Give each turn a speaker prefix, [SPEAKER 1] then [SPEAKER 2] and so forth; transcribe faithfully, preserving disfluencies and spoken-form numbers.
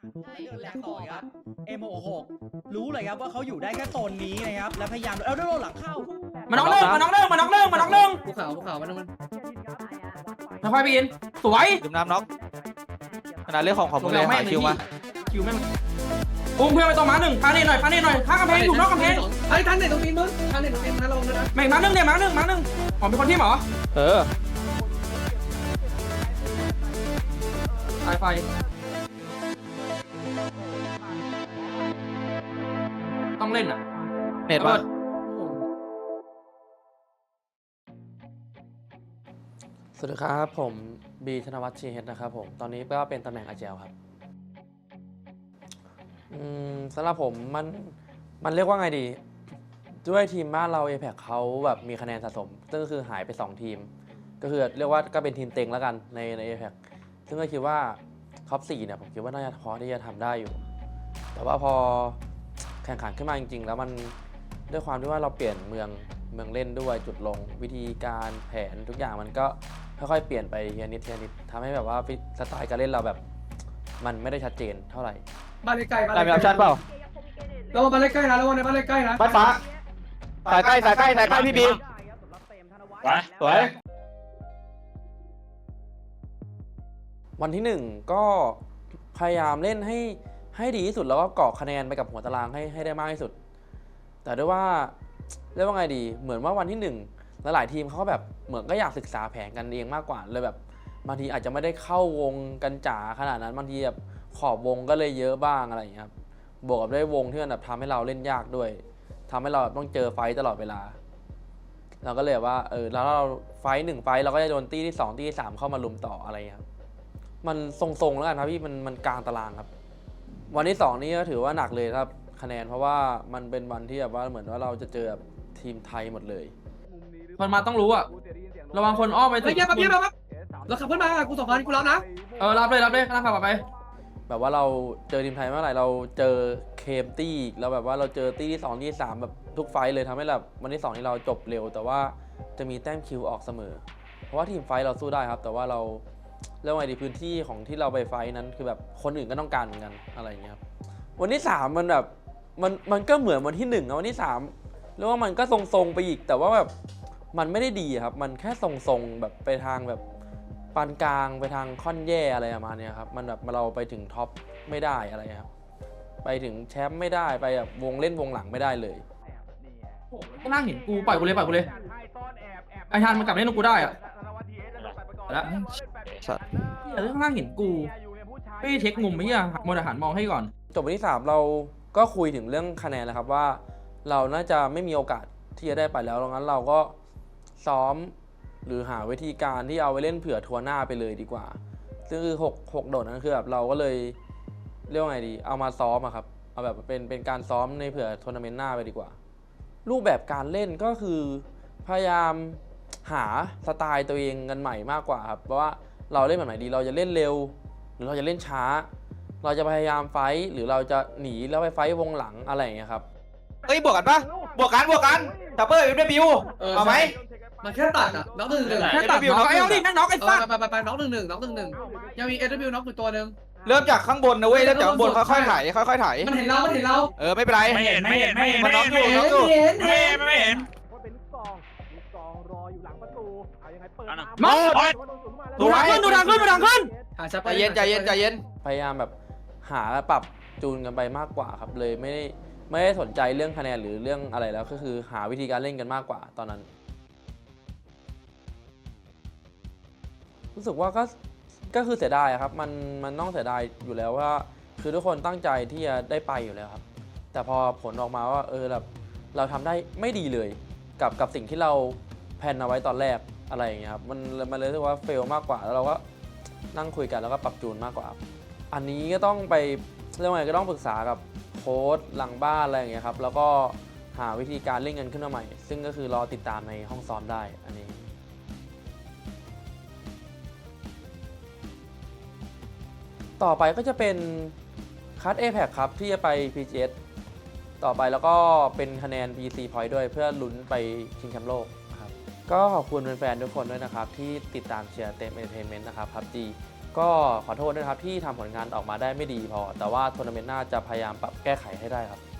[SPEAKER 1] เดินแหลกต่อยครับ เอ็ม หก หก รู้เลยครับว่าเขาอยู่ได้แค่โซนนี้นะครับและพยายามเอาโดนหลังเข้า
[SPEAKER 2] มาน้องเรื่องมาน้องเรื่องมาน้องเรื่องมาน้องเรื่อง
[SPEAKER 3] ภูเขาภูเขามันมัน
[SPEAKER 2] มาควายปีนสวย
[SPEAKER 4] ดื่มน้ำน็อกขนาดเรื่องของของมึงเลยหาคิวมา
[SPEAKER 2] คิวแม่งอุ้มเพื่อนไปตรงม้าหนึ่งพาเนตหน่อยพาเนตหน่อยข้างกำแพงอยู่นอกกำแพง
[SPEAKER 3] ไอ้ท่านไหนตรงนี้มึงท่านไหนตรงนี้นะลงนะ
[SPEAKER 2] แม่งม้าหนึ่งเนี่ยม้าหนึ่งม้าหนึ่งอ๋อเป็นคนที่หมอ
[SPEAKER 4] เออ
[SPEAKER 2] สายไฟต้องเล่นอ่ะ
[SPEAKER 4] เน็ตป่ะ
[SPEAKER 5] สวัสดีครับผมบีธนวัฒน์ชีเฮดนะครับผมตอนนี้ก็เป็นตำแหน่งอาเจลครับอืมสำหรับผมมันมันเรียกว่าไงดีด้วยทีมบ้านเรา เอ พี อี ซี เขาแบบมีคะแนนสะสมซึ่งก็คือหายไปสองทีมก็คือเรียกว่าก็เป็นทีมเต็งแล้วกันในใน เอ พี อี ซี ซึ่งก็คิดว่าท็อปสี่เนี่ยผมคิดว่าน่าจะพอที่จะทำได้อยู่แต่ว่าพอแข่งขันขึ้นมาจริงๆแล้วมันด้วยความที่ว่าเราเปลี่ยนเมืองเมืองเล่นด้วยจุดลงวิธีการแผนทุกอย่างมันก็ค่อยๆเปลี่ยนไปทีละนิดทีละนิดทำให้แบบว่าสไตล์การเล่นเราแบบมันไม่ได้ชัดเจนเท่าไหร่
[SPEAKER 3] บ้านใกล้บ้าน
[SPEAKER 4] ได้มีออปชั่นเปล่า
[SPEAKER 3] ระวังบ้านใกล้นะระวังในบ้านใกล้นะ
[SPEAKER 4] บ้านฟ้าสายใกล้สายใกล้สายใกล้พี่บีสวย
[SPEAKER 5] วันที่หนึ่งก็พยายามเล่นให้ให้ดีที่สุดแล้วก็เกาะคะแนนไปกับหัวตารางให้ให้ได้มากที่สุดแต่ด้วยว่าเรียกว่าไงดีเหมือนว่าวันที่หนึ่งหลายๆทีมเขาแบบเหมือนก็อยากศึกษาแผนกันเองมากกว่าเลยแบบบางทีอาจจะไม่ได้เข้าวงกันจ๋าขนาดนั้นบางทีแบบขอบวงก็เลยเยอะบ้างอะไรอย่างเงี้ยครับบวกกับด้วยวงที่มันแบบทำให้เราเล่นยากด้วยทำให้เราต้องเจอไฟต์ตลอดเวลาเราก็เลยว่าเออแล้วเราไฟต์หนึ่งไฟต์เราก็จะโดนตี้ที่สองตี้ที่สามเข้ามาลุมต่ออะไรอย่างเงี้ยครับมันทรงๆแล้วกันครับพี่มันมันกลางตารางครับวันที่สองนี้ก็ถือว่าหนักเลยครับคะแนนเพราะว่ามันเป็นวันที่แบบว่าเหมือนว่าเราจะเจอแบบทีมไทยหมดเลย
[SPEAKER 2] คนมาต้องรู้อ่ะระวังคนอ้อมไป
[SPEAKER 3] เฮ้ยเยี่ยมปั๊บเยี่ยมปั๊บเราขับขึ้นมากูสองพันกูรับนะ
[SPEAKER 2] เออรับเลยรับเลยกำลังขับไป
[SPEAKER 5] แบบว่าเราเจอทีมไทยเมื่อไหร่เราเจอเคมตี้แล้วแบบว่าเราเจอตี้ที่สองที่สามแบบทุกไฟท์เลยทำให้แบบวันที่สองที่เราจบเร็วแต่ว่าจะมีแต้มคิวออกเสมอเพราะว่าทีมไฟท์เราสู้ได้ครับแต่ว่าเราเรื่องไงดีพื้นที่ของที่เราไปไฟท์นั้นคือแบบคนอื่นก็ต้องการเหมือนกันอะไรอย่างเงี้ยครับวันที่สามมันแบบมันมันก็เหมือนวันที่หนึ่งนะวันที่สามเรียกว่ามันก็ทรงๆไปอีกแต่ว่าแบบมันไม่ได้ดีครับมันแค่ทรงๆแบบไปทางแบบปานกลางไปทางค่อนแย่อะไรประมาณนี้ครับมันแบบเราไปถึงท็อปไม่ได้อะไรครับไปถึงแชมป์ไม่ได้ไปแบบวงเล่นวงหลังไม่ได้เลย
[SPEAKER 2] ก็นั่งเห็นกูปล่อยกูเลยปล่อยกูเลยไอ้ทานมันกลับเล่นกูได้อ่ะแล้วเดี๋ยวข้างล่างเห็นกูไม่เช็คมุมไม่ยังมองอาหารมองให้ก่อน
[SPEAKER 5] จบวันที่สามเราก็คุยถึงเรื่องคะแนนแล้วครับว่าเราน่าจะไม่มีโอกาสที่จะได้ไปแล้วดังนั้นเราก็ซ้อมหรือหาวิธีการที่เอาไปเล่นเผื่อทัวร์หน้าไปเลยดีกว่าซึ่งคือหก หกโดดนั้นคือแบบเราก็เลยเรียกว่าไงดีเอามาซ้อมอะครับเอาแบบเป็นเป็นการซ้อมในเผื่อทัวร์นาเมนต์หน้าไปดีกว่ารูปแบบการเล่นก็คือพยายามหาสไตล์ตัวเองกันใหม่มากกว่าครับเพราะว่าเราเล่นแบบไหนดีเราจะเล่นเร็วหรือเราจะเล่นช้าเราจะพยายามไฟท์หรือเราจะหนีแล้วไปไฟท์วงหลังอะไรอย่างเงี้ยครับ
[SPEAKER 4] เฮ้ยบวกกันปะบวกกันบวกกันจับเปอร์ยูเดบิวเอาไหม
[SPEAKER 3] มันแค่ตัดอ่ะน็อกหนึ่งหนึ่ง
[SPEAKER 2] แค่ตัดน็อกไอ้เอาดิแม่งน็อกไอ้ฟัด
[SPEAKER 3] ไปไปไปน็อกหนึ่งหนึ่งน็อกหนึ่งหนึ่งยังมีเอสบิวน็อกอยู่ตัวหนึ่ง
[SPEAKER 4] เริ่มจากข้างบนนะเว้ยเริ่มจากข้างบนค่อยๆไถค่อยๆไถ
[SPEAKER 3] มันเห็นเรามันเห็นเรา
[SPEAKER 4] เออไม่เป็นไร
[SPEAKER 6] ไม่เห็นไม่เห็นไม่เห็น
[SPEAKER 4] มันน็อกอยู่
[SPEAKER 3] เห็
[SPEAKER 4] น็อน กอยู่
[SPEAKER 3] เห็น
[SPEAKER 6] ไม่
[SPEAKER 3] เห็
[SPEAKER 6] เห็
[SPEAKER 3] น
[SPEAKER 6] นไม่เห็น
[SPEAKER 4] มอ
[SPEAKER 6] โอ๊ย
[SPEAKER 2] ดูทางขึ้นดูทางขึ้นดูทางขึ้น
[SPEAKER 3] หาชับ
[SPEAKER 4] ใจเย็นใจเย็นใจเย็น
[SPEAKER 5] พยายามแบบหาและปรับจูนกันไปมากกว่าครับเลยไม่ได้ไม่ได้สนใจเรื่องคะแนนหรือเรื่องอะไรแล้วก็คือหาวิธีการเล่นกันมากกว่าตอนนั้น รู้สึกว่าก็ก็คือเสียดายครับมันมันต้องเสียดายอยู่แล้วว่าคือทุกคนตั้งใจที่จะได้ไปอยู่แล้วครับแต่พอผลออกมาว่าเออแบบเราทำได้ไม่ดีเลยกับกับสิ่งที่เราแพลนเอาไว้ตอนแรกอะไรอย่างเงี้ยครับมันมันเลยรู้สึกว่าเฟลมากกว่าแล้วเราก็นั่งคุยกันแล้วก็ปรับจูนมากกว่าอันนี้ก็ต้องไปเรื่องอะไรก็ต้องปรึกษากับโค้ชหลังบ้านอะไรอย่างเงี้ยครับแล้วก็หาวิธีการเล่นกันขึ้นมาใหม่ซึ่งก็คือรอติดตามในห้องซ้อมได้อันนี้ต่อไปก็จะเป็นคัด เอ พี อี ซี ครับที่จะไป พี จี เอส ต่อไปแล้วก็เป็นคะแนน พี ซี Point ด้วยเพื่อลุ้นไปชิงแชมป์โลกครับก็ขอบคุณแฟนๆทุกคนด้วยนะครับที่ติดตามเชียร์เต็มเอนเตอร์เทนเมนต์นะครับ พับจีก็ขอโทษด้วยนะครับที่ทำผลงานออกมาได้ไม่ดีพอ แต่ว่าทัวร์นาเมนต์หน้าจะพยายามปรับแก้ไขให้ได้ครับ